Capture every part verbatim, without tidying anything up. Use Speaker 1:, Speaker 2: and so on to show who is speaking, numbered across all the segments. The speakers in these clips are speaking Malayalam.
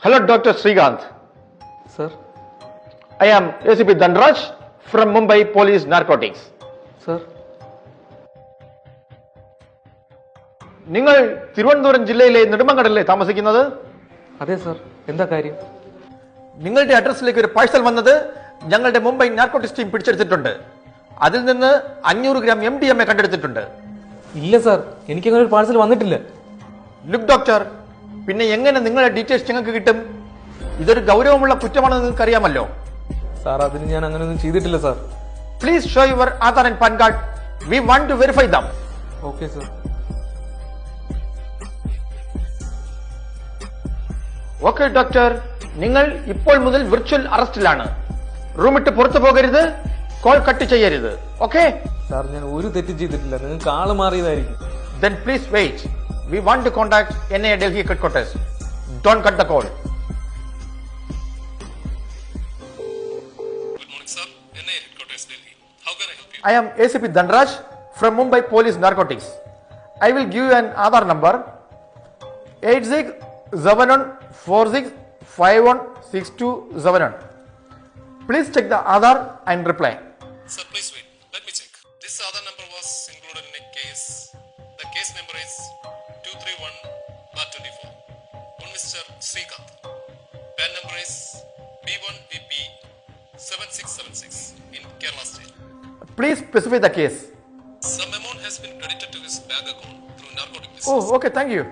Speaker 1: Hello, Doctor Srikanth.
Speaker 2: Sir.
Speaker 1: I am A C P Dhanraj from Mumbai Police Narcotics.
Speaker 2: Sir.
Speaker 1: നിങ്ങൾ തിരുവനന്തപുരം ജില്ലയിലെ നെടുമങ്ങാടല്ലേ താമസിക്കുന്നത്?
Speaker 2: അതെ സർ. എന്താ കാര്യം?
Speaker 1: നിങ്ങളുടെ അഡ്രസ്സിലേക്ക് ഒരു പാഴ്സൽ വന്നത് ഞങ്ങളുടെ മുംബൈ നാർക്കോട്ടിക്സ് ടീം പിടിച്ചെടുത്തിട്ടുണ്ട്. അതിൽ നിന്ന് അഞ്ഞൂറ് gram M D M A കണ്ടെടുത്തിട്ടുണ്ട്.
Speaker 2: ഇല്ല സർ, എനിക്കങ്ങനെ ഒരു പാഴ്സൽ വന്നിട്ടില്ല.
Speaker 1: ലുക്ക് ഡോക്ടർ, പിന്നെ എങ്ങനെ നിങ്ങളുടെ ഡീറ്റെയിൽസ് ഞങ്ങൾക്ക് കിട്ടും? ഇതൊരു ഗൗരവമുള്ള കുറ്റമാണെന്ന് നിങ്ങൾക്ക് അറിയാമല്ലോ.
Speaker 2: സാർ, അതിന് ഞാൻ അങ്ങനെയൊന്നും ചെയ്തിട്ടില്ല sir.
Speaker 1: Please show your Aadhaar and PAN card. We want to verify them.
Speaker 2: Okay sir.
Speaker 1: Okay doctor, നിങ്ങൾ ഇപ്പോൾ മുതൽ വിർച്വൽ അറസ്റ്റിലാണ്. റൂമിട്ട് പുറത്തു പോകരുത്, കോൾ കട്ട് ചെയ്യരുത്. ഓക്കെ
Speaker 2: സാർ, ഞാൻ ഒരു തെറ്റും ചെയ്തിട്ടില്ല. നിങ്ങൾക്ക് ആള് മാറിയതായിരിക്കും.
Speaker 1: Then please wait. We want to contact N I A Delhi headquarters. Don't cut the call.
Speaker 3: Good morning, sir. N I A headquarters, Delhi. How can I help you?
Speaker 1: I am A C P Dhanraj from Mumbai Police Narcotics. I will give you an Aadhaar number eight six seven one four six five one six two seven one. Please check the Aadhaar and reply.
Speaker 3: Sir, please wait. Let me check. This other number was included in a case. The case number is two three one bar twenty-four. One Mister Srikanth. Pan number is B one V P seven six seven six in Kerala State.
Speaker 1: Please specify the case.
Speaker 3: Some amount has been credited to his bank account through narcotic business.
Speaker 1: Oh, okay, thank you.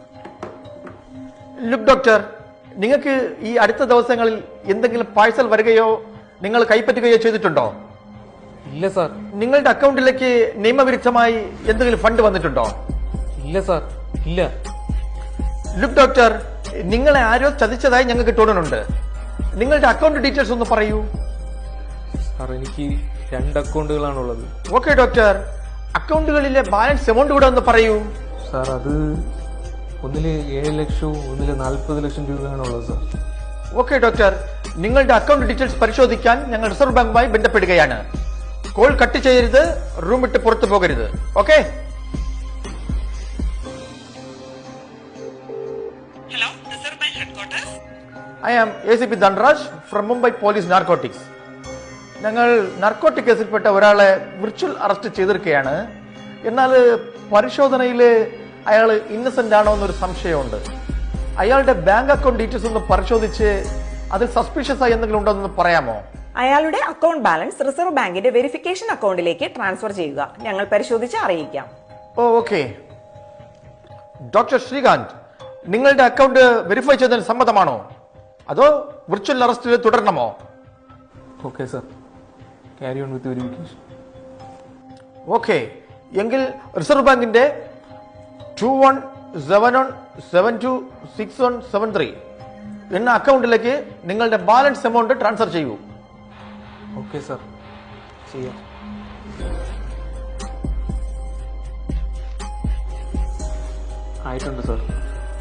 Speaker 1: Look, doctor, നിങ്ങൾക്ക് ഈ അടുത്ത ദിവസങ്ങളിൽ എന്തെങ്കിലും പാഴ്സൽ വരികയോ നിങ്ങൾ കൈപ്പറ്റുകയോ ചെയ്തിട്ടുണ്ടോ?
Speaker 2: ഇല്ല സാർ.
Speaker 1: നിങ്ങളുടെ അക്കൗണ്ടിലേക്ക് നിയമവിരുദ്ധമായി എന്തെങ്കിലും ഫണ്ട് വന്നിട്ടുണ്ടോ?
Speaker 2: ഇല്ല സാർ, ഇല്ല.
Speaker 1: ലുക്ക് ഡോക്ടർ, നിങ്ങളെ ആരോ ചതിച്ചതായി ഞങ്ങൾക്ക് തോന്നുന്നുണ്ട്. നിങ്ങളുടെ അക്കൗണ്ട് ഡീറ്റെയിൽസ് ഒന്ന് പറയൂ.
Speaker 2: സാർ, എനിക്ക് രണ്ട് അക്കൗണ്ടുകളാണുള്ളത്.
Speaker 1: ഓക്കെ ഡോക്ടർ, അക്കൗണ്ടുകളിലെ ബാലൻസ് എമൗണ്ട് കൂടെ ഒന്ന് പറയൂ.
Speaker 2: സാർ, അത് ഒന്നില് ഏഴ് ലക്ഷവും ഒന്നില് നാൽപ്പത് ലക്ഷം രൂപയാണുള്ളത് സാർ.
Speaker 1: ഓക്കെ ഡോക്ടർ, നിങ്ങളുടെ അക്കൗണ്ട് ഡീറ്റെയിൽസ് പരിശോധിക്കാൻ ഞങ്ങൾ റിസർവ് ബാങ്കുമായി ബന്ധപ്പെടുകയാണ്. കോൾ കട്ട് ചെയ്യരുത്, റൂം വിട്ട് പുറത്തു പോകരുത്. Okay?
Speaker 4: Hello, Reserve Bank Headquarters.
Speaker 1: I am A C P Dhanraj from Mumbai police narcotics. ഞങ്ങൾ നാർക്കോട്ടിക് കേസിൽപ്പെട്ട ഒരാളെ വിർച്വൽ അറസ്റ്റ് ചെയ്തിരിക്കുകയാണ്. എന്നാൽ പരിശോധനയിൽ അയാൾ ഇന്നസെന്റ് ആണോ എന്നൊരു സംശയമുണ്ട്. അയാളുടെ ബാങ്ക് അക്കൗണ്ട് ഡീറ്റെയിൽസ് ഒന്ന് പരിശോധിച്ച് അതിൽ സസ്പീഷ്യസ് ആയി എന്തെങ്കിലും ഉണ്ടോ എന്ന് പറയാമോ?
Speaker 4: അയാളുടെ അക്കൗണ്ട് ബാലൻസ് റിസർവ് ബാങ്കിന്റെ വെരിഫിക്കേഷൻ അക്കൗണ്ടിലേക്ക് ട്രാൻസ്ഫർ ചെയ്യുക. ഞങ്ങൾ പരിശോധിച്ച് അറിയിക്കാം.
Speaker 1: ഓ ഓക്കെ. ഡോക്ടർ ശ്രീകാന്ത്, നിങ്ങളുടെ അക്കൗണ്ട് വെരിഫൈ ചെയ്തതിന് സമ്മതമാണോ അതോ വിർച്വൽ അറസ്റ്റിൽ തുടരണമോ?
Speaker 2: Okay sir, carry on with verification.
Speaker 1: Okay, എങ്കിൽ റിസർവ് ബാങ്കിന്റെ two one seven one seven two six one seven three എന്ന അക്കൗണ്ടിലേക്ക് നിങ്ങളുടെ ബാലൻസ് എമൗണ്ട് ട്രാൻസ്ഫർ ചെയ്യൂ.
Speaker 2: ഓക്കെ സർ, ചെയ്യാം. ആയിട്ടുണ്ട് സർ.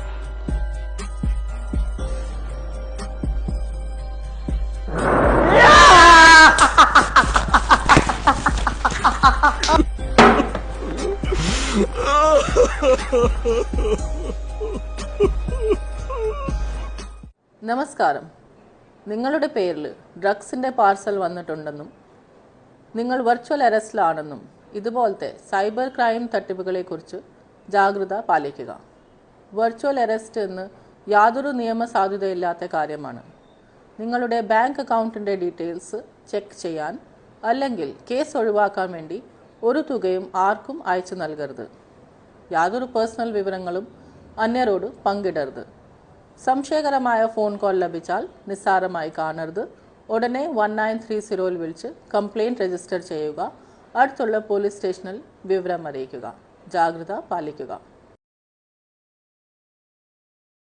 Speaker 5: നമസ്കാരം. നിങ്ങളുടെ പേരിൽ ഡ്രഗ്സിൻ്റെ പാർസൽ വന്നിട്ടുണ്ടെന്നും നിങ്ങൾ വെർച്വൽ അറസ്റ്റിലാണെന്നും ഇതുപോലത്തെ സൈബർ ക്രൈം തട്ടിപ്പുകളെക്കുറിച്ച് ജാഗ്രത പാലിക്കുക. വെർച്വൽ അറസ്റ്റ് എന്ന് യാതൊരു നിയമസാധുതയില്ലാത്ത കാര്യമാണ്. നിങ്ങളുടെ ബാങ്ക് അക്കൗണ്ടിൻ്റെ ഡീറ്റെയിൽസ് ചെക്ക് ചെയ്യാൻ അല്ലെങ്കിൽ കേസ് ഒഴിവാക്കാൻ വേണ്ടി ഒരു തുകയും ആർക്കും അയച്ചു നൽകരുത്. യാതൊരു പേഴ്സണൽ വിവരങ്ങളും അന്യരോട് പങ്കിടരുത്. സംശയകരമായ ഫോൺ കോൾ ലഭിച്ചാൽ നിസ്സാരമായി കാണരുത്. ഉടനെ വൺ നയൻ ത്രീ സീറോയിൽ വിളിച്ച് കംപ്ലയിൻറ്റ് രജിസ്റ്റർ ചെയ്യുക. അടുത്തുള്ള പോലീസ് സ്റ്റേഷനിൽ വിവരം അറിയിക്കുക. ജാഗ്രത പാലിക്കുക.